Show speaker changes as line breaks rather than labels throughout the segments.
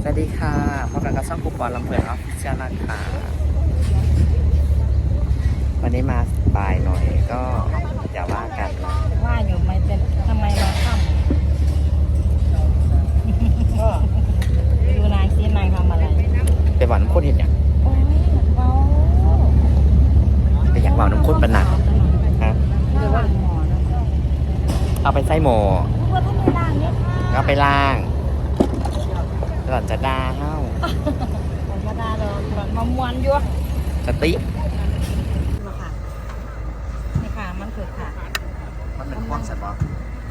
วัสดีค่ะพบกันกับช่องกูปอนลำเพลินออฟฟิเชียลนะคะวันนี้มาบ่ายหน่อยก็อย่าว่ากันนะ
ว่าอยู่ไม่เป็นทำไมมาค่ำดูนางซินางทำอะไร
ไปหวานน้ำข้นเห็นอย่าง
โอ้ยเบา
ไปอยากหวานน้ำข้นเป็นหนักฮะ
หรือว่าหมอนะ
เอาไปใส่หม้อ
ว่าทำไมล่างเนี่ยค่ะ
ก็ไปล้างหล่อนจะด่าเฮ้า
ธรรมดาเรามามวนอยู่
สติ
มาค่ะนี่ค่ะมันคือค่ะ
มันเป็นความสัตว์บอ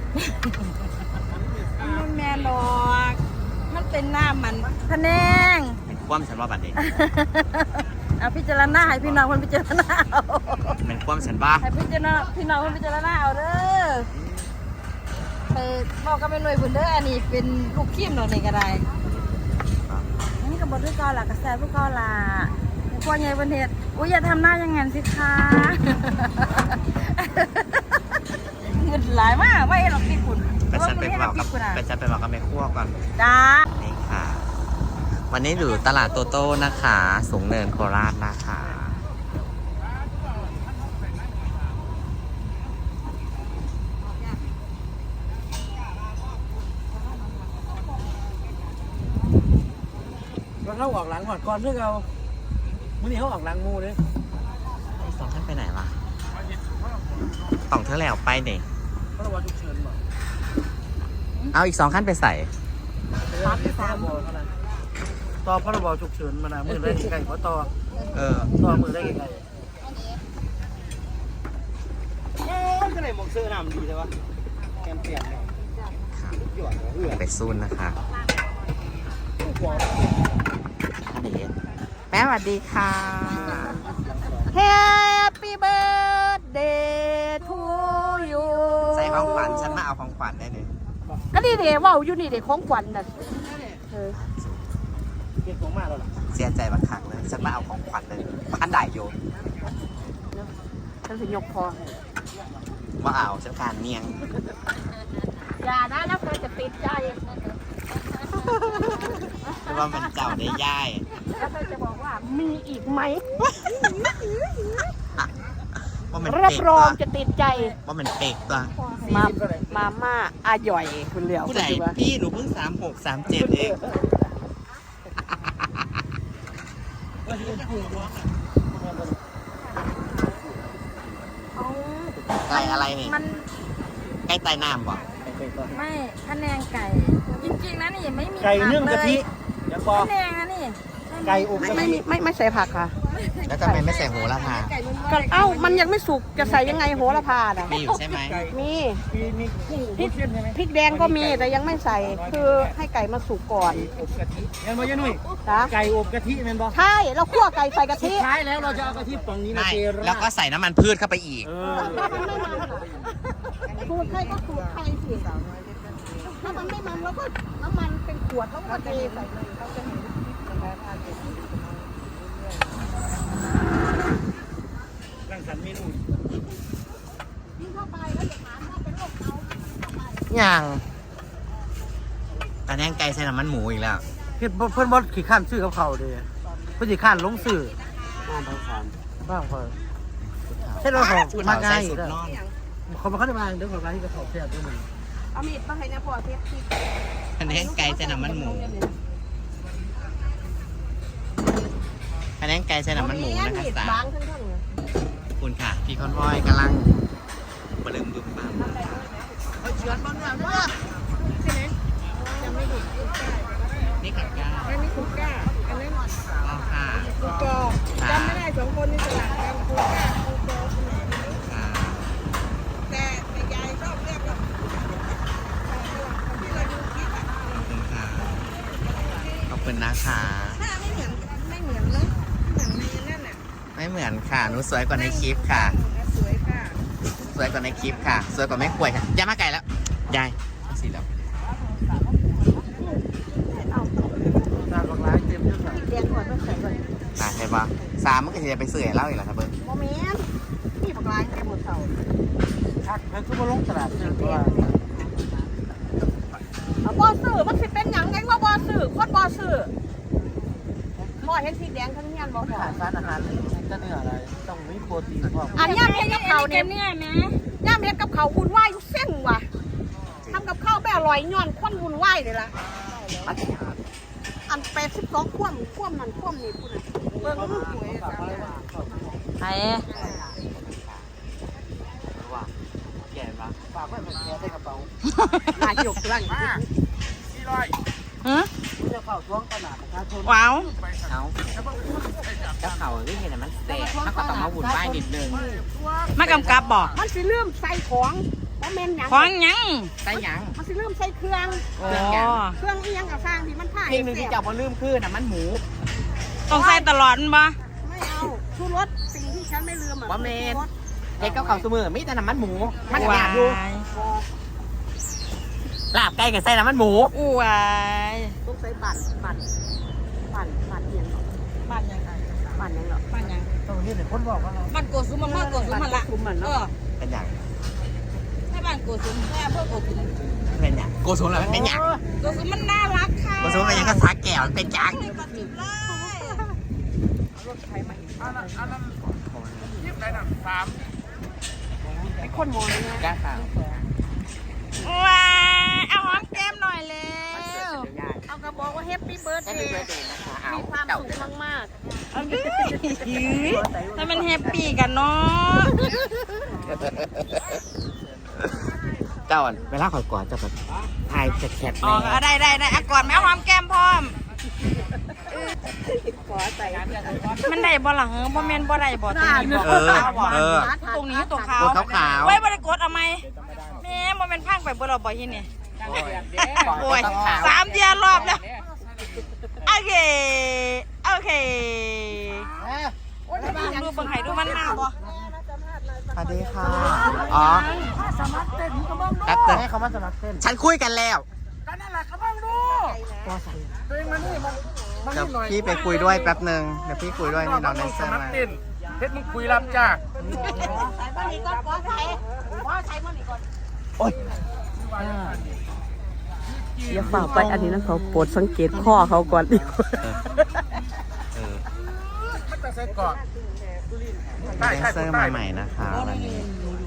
มันแม่ดอกมันเป็นหน้ามันพะแนง
เป็นความสัตว์บอบัดนี้
เอาพิจารณาให้พี่น้องคนพิจารณาเอา
เป็นความสัตว์บอ
ให้พิจารณาพี่น้องคนพิจารณาเอาเด้อไปบอกกับแม่หน่วยบุญเด้ออันนี้เป็นลูกขี้มเนาะนี่ก็ได้อันนี้ก็บอกด้วยกอล่ะกระแสพวกกอล่ะพวกใหญ่บนเหตุอุ้ยอย่าทำหน้าอย่างงั้นสิคะเงินหลายมากไม่หรอกพี่คุณ
ไปฉันไปบอกกับแม่ครัวก่อน
จ้า
นี่ค่ะ วันนี้อยู่ตลาดโตโต้นะคะ สูงเนินโคราชนะคะ
เขาออกหลังหอดก่อนเพื่อเอามื่อนี้เขาออกหลังมูเลย
อีกสองท่านไปไหนวะต้องเธอแล้วไปเนี่ย
พระบาฉุกเฉินบ่
เอาอีกสองขั้นไปใส่
ต่อพระบาฉุกเฉินมานะมือได้ไก่เพราะต่อมือได้ไก่ก็เลยมองเสื้อหนามดีเลยวะแกมเปลี่ยนเลย
ไปซูนนะคะแม่สวัสดีค่ะ
Happy birthday to you
ใส่ของขวัญฉันมาเอาของขวัญได้เลย
ก็นี่เดี๋ยวว่าอยู่นี่เดี๋ยวของขวัญน่ะ
เก็บของมาแล้วล่ะ
เสียใจบักคักเลยฉันมาเอาของขวัญเลยบ้านได้โย
ฉันสิยกพอ
ว่าเอาฉันการเนียง
อย่านะแล้วเธอจะติดใจ
เพราะว่ามันเจ้าได้ย่าย
แล้วเธอจะบอกว่ามีอีกไหม
ว่ามัน
รับ
เป๊ก
ร
ตั
อ
ว
งจะติดใจ
ว่ามันเป๊กตัว
มาม่าอาหย่อยคุณเหลียว
ผู้ใดพี่หนูเพิ่ง36 37เองไก่อะไรนี่
มัน
ไก่ใต้น้ำบ่
ไม่พะแนงไก่ จริงๆนะนี่ไม่มี
ไก่เนื่องกะทิยังบอ
พะแนงนะนี่
ไก่อบกะทิ
ไม่ใส่ผักค่ะ
แล้วทำไมไม่ใส่โหระพา
เอ้ามันยังไม่สุกจะใส่ยังไงโหระพาน่ะ
มีอยู่ใช่ไหม
มี
มีกุ้งพริกใช่ไหม
พริกแดงก็มีแต่ยังไม่ใส่คือให้ไก่มาสุกก่อน
อบกะทิยังบ่ยันุ่ย
นะ
ไก่อบกะทิแม่นบ่
ใช่เราคั่วไก่ใส่กะ
สุ
ทิ
ดท้ายแล้วเราจะเอากะทิฝั่งนี้นะ
ไม่
เจรา
แล้วก็ใส่น้ำมันพืชเข้าไปอีก
สูตรใครก็สูตรใครสิถ้ามันไม่มันแล้วก็น้ำมันเป็นขวดแล้วก็เทใส่เลยเขาจะเห็น
รังสรรค์เมนู
ยิ่งเข้าไปแล้วจะถามว่าเป็นโรคเกาต์
อย่างตาแดงไก่ใส่น้ำมันหมูอีกแล้ว
เฮ็ดเพิ่นบ่ขี้ข้านซื้อกับเขาเด้เพิ่นสิข้านลงซื้อบ้างพอใช่รถของ
ชุด
มา
เขา
ง่า
ใส่
ย
สุด
เด้อน
อน
เขามาเข้ามาเด้อขอไปที่กระสอบแซ่บด้วยมึง
เอามีดมาให้นะพ่อเทปที่
ตาแดงไก่ใส่น้ำมันหมูตาแดงไก่ใส่น้ำมันหมูนะคะสา
บางทั้งท่านเลย
คุณค่ะ พี่คอนวอยกำลังบลืมบึ้มบ้างเฉือนบ้างเนี่ยนี่ขัดก้า
อันนี้คุกก้าอันนั้น
อ๋อค่ะ
คุกกอจำไม่ได้สองคนนี่สลับกันคุกก้าคุกกอ
ค่ะ
แต่ยายชอบเรียกว่าที่เราดูคลิปอะ
ขอบคุณค่ะ ขอบคุณนะคะ
หน้าไม่เหมือนเลยเหมือนในนั่นน่ะ
ไม่เหมือนค่ะ หนูสวยกว่าในคลิปค่ะ
สวยค่ะ
สวยกว่าในคลิปค่ะ สวยกว่าไม่ป่วยค่ะยายมาไก่แล้ว ยายสีแล้ว
ตาบักหลายเต็มเยอะค่ะ
เรียนก่อนไม่ใส่ก่อน
ใช่ปะ3มันก็จะไปเสื่อยเล่าอีกแล้วครับเบิ้ง
โมเมนต์นี่ปากร้ายในหมดเสา
ชักมันคือบ่ลงตลาดซื้อเพราะว่า
บอสื่อมันสิเป็นอย่างไงว่าบอสื่อโคตรบอสื่อพ่อเห็นสีแดงทั้งนี้บอกพ่อ
ขาดสารอาหารจะเนื้ออะไรต้องมีโปรตีนพร้อม
อันย่ำเฮ็ดกับเขาเนี่ยย่ำเฮ็ดกับเขาวุ่นวายอยู่เส้นว่ะทำกับข้าวไม่อร่อยย้อนควันวุ่นวายเลยล่ะอัน82คว่ำนั่นคว่ำนี่พูดน่ะเบิ่งลูกหวยไอ้
ว่าแก่ปะฝากไว้เป็นแก่ใส่กระเป๋า
ลายหยกลัง
ฮะ
จะเข้าช่วงตลาดประชาชน
ว้าวเอาเจ้าเขาที่เห็นมันแสบถ้าก็ต้องมาหุ่นป้ายนิดนึงมากำกับบอก
มันสิเริ่มใส่ของว่าแม่นหยัง
ของยังใส่ยัง
มันสิเริ่มใส่เครื่อง
เครื่องยัง
เครื่องอีหยังกับสร้างที่มันผ่า
เพลงหนึ่งที่เจ้าบ่ลืมคือน่ะมันหมู
ต้องใส่ตลอดมั้ย
ไม่เอาชูรสสิ่งที่ฉันไม่ลืมอ่ะ
ว่าเมน
ชูรส
เด็กเขาเสมอมีแต่น้ำมันหมู มันอยากดูลาบไก่กับใส่น้ำมันหมู
อู้วาย
ต้องใส่ปั่นเอียงหรอ
บ้านยังไง
ปั่นยังหรอ
บ้านยัง
ต้องเห็นเด็กคนบอกว่า
บ้านโกสุมมันโกสุมมันละ
คุมมัน
เอ
เนาะ
อ
เป็นอย่าง
ให้บ้านโกสุมแค่เพื่อโกสุม
เป็นอย่างโกสุนแล้วเป็นอย่าง
โกสุมมันน่ารักค่ะ
โกสุนเป็นอย่างก็ซักแก้วเป็นจัง
ปัจจุบันเลย
ไอ้คนมองเนี่ย
ก้าข่าว
ว้ายเอาหอมแก้มหน่อยเร็ว
เอากระบอกว่าแฮปปี้เบิร์ด
แค่
เด
มี
ย์
เบอร์เดย์นะคะเอา
มีความ
เจ้า
สุขมาก
เอาดิถ้ามันแฮปปี้กันเนาะ
เจ้าเวลาขอยกอดจะแบบถ่ายแคท
อ๋อได้อ่ะก่อนแม่หอมแก้มพร้อม
ๆขอใส่
มันได้บ่หลังบ่แม่นบ่ได้บ่ตรงนี้บ่
เออ
ขาวบ่ตรงนี้ตรงขาว
ตัวขาวๆ
ไว้บ่ได้กดเอาไหมแม่บ่แม่นพังไปบ่เราบ่ที่นี่โอ้ย3 เดือนรอบแล้วโอเคดูเบิ่งให้ดูมันมาบ่
สวัสดีค่ะ อ๋อ
สมัครเต้นก็บ้างดู
แป๊บนึง
ให้เขามาสมัครเต้น
ฉันคุยกันแล้ว
ก็นั่นแหละก็บ้างดูตัวใส่ตัวเองมานี่มัน
เดี๋ยวพี่ไปคุยด้วยแป๊บนึง เดี๋ยวพี่คุยด้วยนี่น้องแดนเซอร์มา
เพชรมึงคุยรับจ้า
ใส่บ้านนี้ก็ขอใส่บ้านนี้ก่อน
โอ๊ย
อย่าฝ่าไปอันนี้นะเขาโปรดสังเกตข้อเขาก่อนดีกว่า
เออ
มันจะใส่ก่อน
แดนเซอร์มาใหม่นะคะวันนี้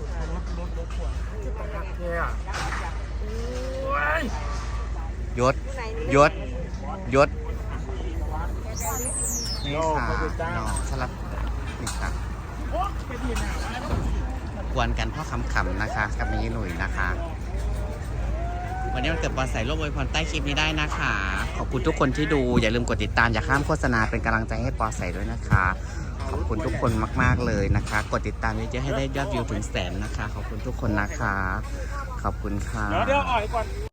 ยศนี่ค่ะน้องสลับนี่ค่ะกวนกันพ่อคำๆนะคะ กับมีหนุ่ยนะคะ วันนี้มันเกิดปอใส่ร่วมอวยพรใต้คลิปนี้ได้นะคะ ขอบคุณทุกคนที่ดู อย่าลืมกดติดตามอย่าข้ามโฆษณาเป็นกำลังใจให้ปอใส่ด้วยนะคะ ขอบคุณทุกคนมากๆเลยนะคะ กดติดตามเยอะๆให้ได้ยอดวิวถึง100,000นะคะ ขอบคุณทุกคนนะคะ ขอบคุณค่ะ
เดี๋ยวอ่อยก่อน